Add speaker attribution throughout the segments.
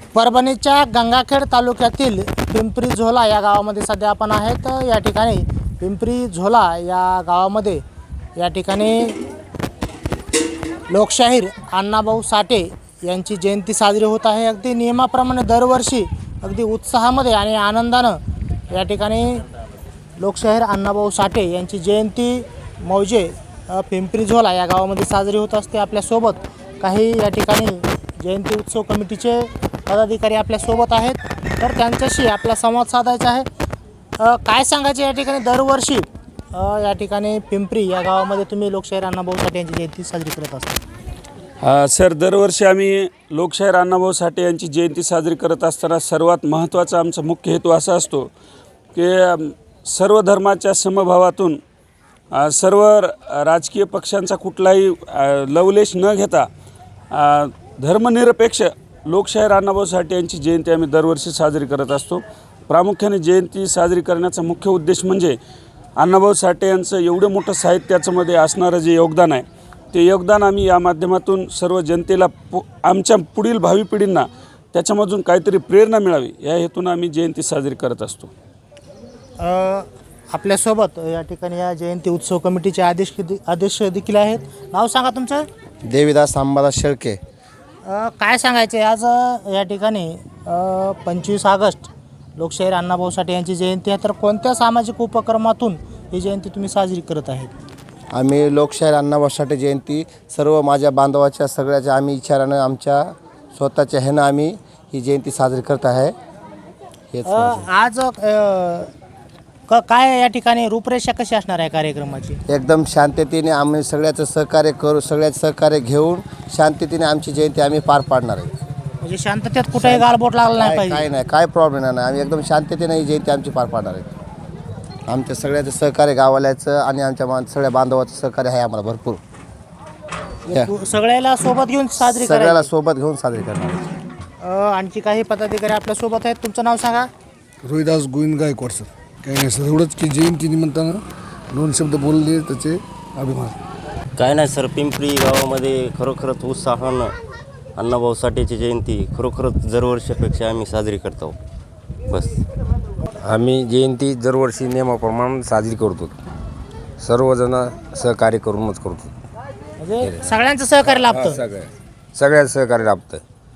Speaker 1: परभणीच्या गंगाखेड तालुक्यातील पिंपरी झोला या गावामध्ये सध्या आपण आहेत। या ठिकाणी पिंपरी झोला या गावामध्ये या ठिकाणी लोकशाहीर अण्णाभाऊ साठे यांची जयंती साजरी होत आहे। अगदी नियमाप्रमाणे दरवर्षी अगदी उत्साहामध्ये आणि आनंदानं या ठिकाणी लोकशाहीर अण्णाभाऊ साठे यांची जयंती मौजे पिंपरी झोला या गावामध्ये साजरी होत असते। आपल्यासोबत काही या ठिकाणी जयंती उत्सव कमिटीचे पदाधिकारी आपल्यासोबत आहेत, तर त्यांच्याशी आपला संवाद साधायचा आहे। काय सांगायचे या ठिकाणी दरवर्षी या ठिकाणी पिंपरी या गावामध्ये तुम्ही लोकशाहीर अण्णाभाऊ साठे यांची जयंती साजरी करत असता?
Speaker 2: सर, दरवर्षी आम्ही लोकशाहीर अण्णाभाऊ साठे यांची जयंती साजरी करत असताना सर्वात महत्त्वाचा आमचा मुख्य हेतू असा असतो की सर्व धर्माच्या समभावातून सर्व राजकीय पक्षांचा कुठलाही लवलेश न घेता धर्मनिरपेक्ष लोकशाहीर अण्णाभाऊ साठे यांची जयंती आम्ही दरवर्षी साजरी करत असतो। प्रामुख्याने जयंती साजरी करण्याचा मुख्य उद्देश म्हणजे अण्णाभाऊ साठे यांचं एवढं मोठं साहित्यामध्ये असणारं जे योगदान आहे ते योगदान आम्ही या माध्यमातून सर्व जनतेला आमच्या पुढील भावी पिढींना त्याच्यामधून काहीतरी प्रेरणा मिळावी या हेतून आम्ही जयंती साजरी करत असतो।
Speaker 1: आपल्यासोबत या ठिकाणी या जयंती उत्सव कमिटीचे अध्यक्ष देखील आहेत। नाव सांगा तुमचं?
Speaker 3: देवीदास अंबादास शेळके।
Speaker 1: काय सांगायचे आज या ठिकाणी 25 ऑगस्ट लोकशाहीर अण्णाभाऊ साठे यांची जयंती आहे, तर कोणत्या सामाजिक उपक्रमातून ही जयंती तुम्ही साजरी करत आहेत?
Speaker 3: आम्ही लोकशाहीर अण्णाभाऊ साठे जयंती सर्व माझ्या बांधवाच्या सगळ्याच्या आम्ही विचारानं आमच्या स्वतःच्या ह्यानं आम्ही ही जयंती साजरी करत आहे। हेच
Speaker 1: आज काय या ठिकाणी रूपरेषा कशी असणार आहे कार्यक्रमाची?
Speaker 3: एकदम शांततेने आम्ही सगळ्याचं सहकार्य करू, सगळ्याचं सहकार्य घेऊन शांततेने आमची जयंती आम्ही पार पाडणार आहे।
Speaker 1: म्हणजे शांततेत कुठेही गालबोट लागला नाही पाहिजे?
Speaker 3: काय नाही, काय प्रॉब्लेम नाही, आम्ही एकदम शांततेने ही जयंती आमची पार पाडणार आहे। आमच्या सगळ्याचं सहकार्य गावाल्याचं आणि आमच्या सगळ्या बांधवाचं सहकार्य आहे आम्हाला भरपूर।
Speaker 1: सगळ्याला सोबत घेऊन साजरी
Speaker 3: सगळ्याला सोबत घेऊन साजरी करणार आहे।
Speaker 1: आणखी काही पदाधिकारी आपल्यासोबत आहेत, तुमचं नाव सांगा?
Speaker 4: रोहिदास गोविंद गायकवाड सर। काही नाही सर, एवढंच की जयंती निमित्तानं 2 शब्द बोलले त्याचे अभिमान।
Speaker 5: काय नाही सर, पिंपरी गावामध्ये खरोखरच उत्साहानं अण्णाभाऊ साठेची जयंती खरोखरच दरवर्षीपेक्षा आम्ही साजरी करतो। बस
Speaker 6: आम्ही जयंती दरवर्षी नियमाप्रमाणे साजरी करतो, सर्वजण सहकार्य करूनच करतो।
Speaker 1: म्हणजे सगळ्यांचं सहकार्य लाभतं?
Speaker 6: सगळ्या सहकार्य लाभतं।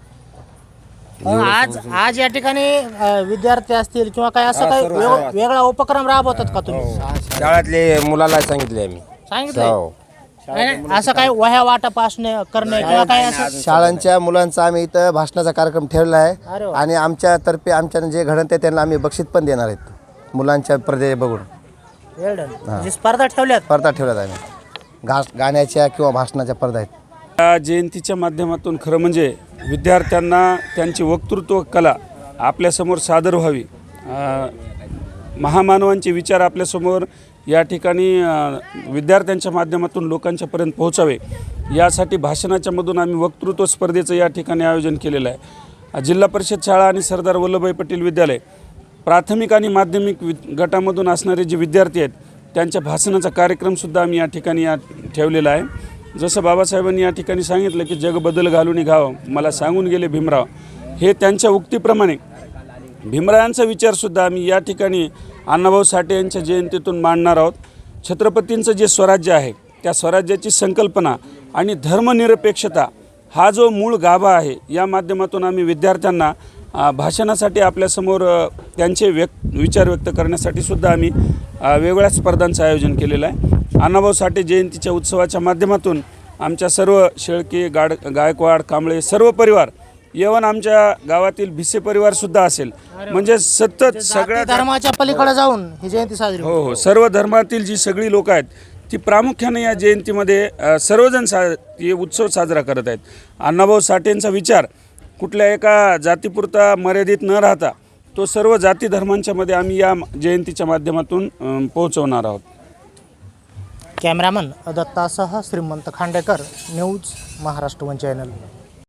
Speaker 1: आज या ठिकाणी विद्यार्थी असतील किंवा काय असं काही वेगळा उपक्रम राबवतात का तुम्ही?
Speaker 6: शाळेतले मुलाला सांगितले आम्ही।
Speaker 1: सांगितलं असं काय वह्या वाटप असणे करणे किंवा काय असं?
Speaker 3: शाळांच्या मुलांचा आम्ही इथं भाषणाचा कार्यक्रम ठेवला आहे आणि आमच्यातर्फे आमच्या जे घडण ते त्यांना आम्ही बक्षीस पण देणार आहेत मुलांच्या स्पर्धे बघून।
Speaker 1: म्हणजे स्पर्धा ठेवल्यात?
Speaker 3: स्पर्धा ठेवल्यात आम्ही गाण्याच्या किंवा भाषणाच्या स्पर्धा आहेत।
Speaker 2: या जयंतीच्या माध्यमातून खरं म्हणजे विद्यार्थ्यांना त्यांची वक्तृत्व कला आपल्यासमोर सादर व्हावी, महामानवांचे विचार आपल्यासमोर या ठिकाणी विद्यार्थ्यांच्या माध्यमातून लोकांच्यापर्यंत पोहोचावे यासाठी भाषणाच्या मधून आम्ही वक्तृत्व स्पर्धेचं या ठिकाणी आयोजन केलेलं आहे। जिल्हा परिषद शाळा आणि सरदार वल्लभभाई पटेल विद्यालय प्राथमिक आणि माध्यमिक गटामधून असणारे जे विद्यार्थी आहेत त्यांच्या भाषणाचा कार्यक्रमसुद्धा आम्ही या ठिकाणी ठेवलेला आहे। जसं बाबासाहेबांनी या ठिकाणी सांगितलं की जग बदल घालून घावं मला सांगून गेले भीमराव, हे त्यांच्या उक्तीप्रमाणे भीमरायांचा विचारसुद्धा आम्ही या ठिकाणी अण्णाभाऊ साठे यांच्या जयंतीतून मांडणार आहोत। छत्रपतींचं जे स्वराज्य आहे त्या स्वराज्याची संकल्पना आणि धर्मनिरपेक्षता हा जो मूळ गाभा आहे या माध्यमातून आम्ही विद्यार्थ्यांना भाषणासाठी आपल्यासमोर त्यांचे विचार व्यक्त करण्यासाठी सुद्धा आम्ही वेगवेगळ्या स्पर्धांचं आयोजन केलेलं आहे। अण्णाभाऊ साठे जयंतीच्या उत्सवाच्या माध्यमातून आमच्या सर्व शेळके गायकवाड कांबळे सर्व परिवार येवन आमच्या गावातील भिसे परिवारसुद्धा असेल, म्हणजे सतत सगळ्या
Speaker 1: धर्माच्या पलीकडे जाऊन ही जयंती साजरी
Speaker 2: हो सर्व धर्मातील जी सगळी लोक आहेत ती प्रामुख्याने या जयंतीमध्ये सर्वजण हे उत्सव साजरा करत आहेत। अण्णाभाऊ साठेंचा विचार कुठल्या एका जातीपुरता मर्यादित न राहता तो सर्व जाती धर्मांच्या मध्ये आम्ही या जयंतीच्या माध्यमातून पोहोचवणार आहोत।
Speaker 1: कॅमेरामन दत्तासह Shrimant Khandekar, news Maharashtra one channel.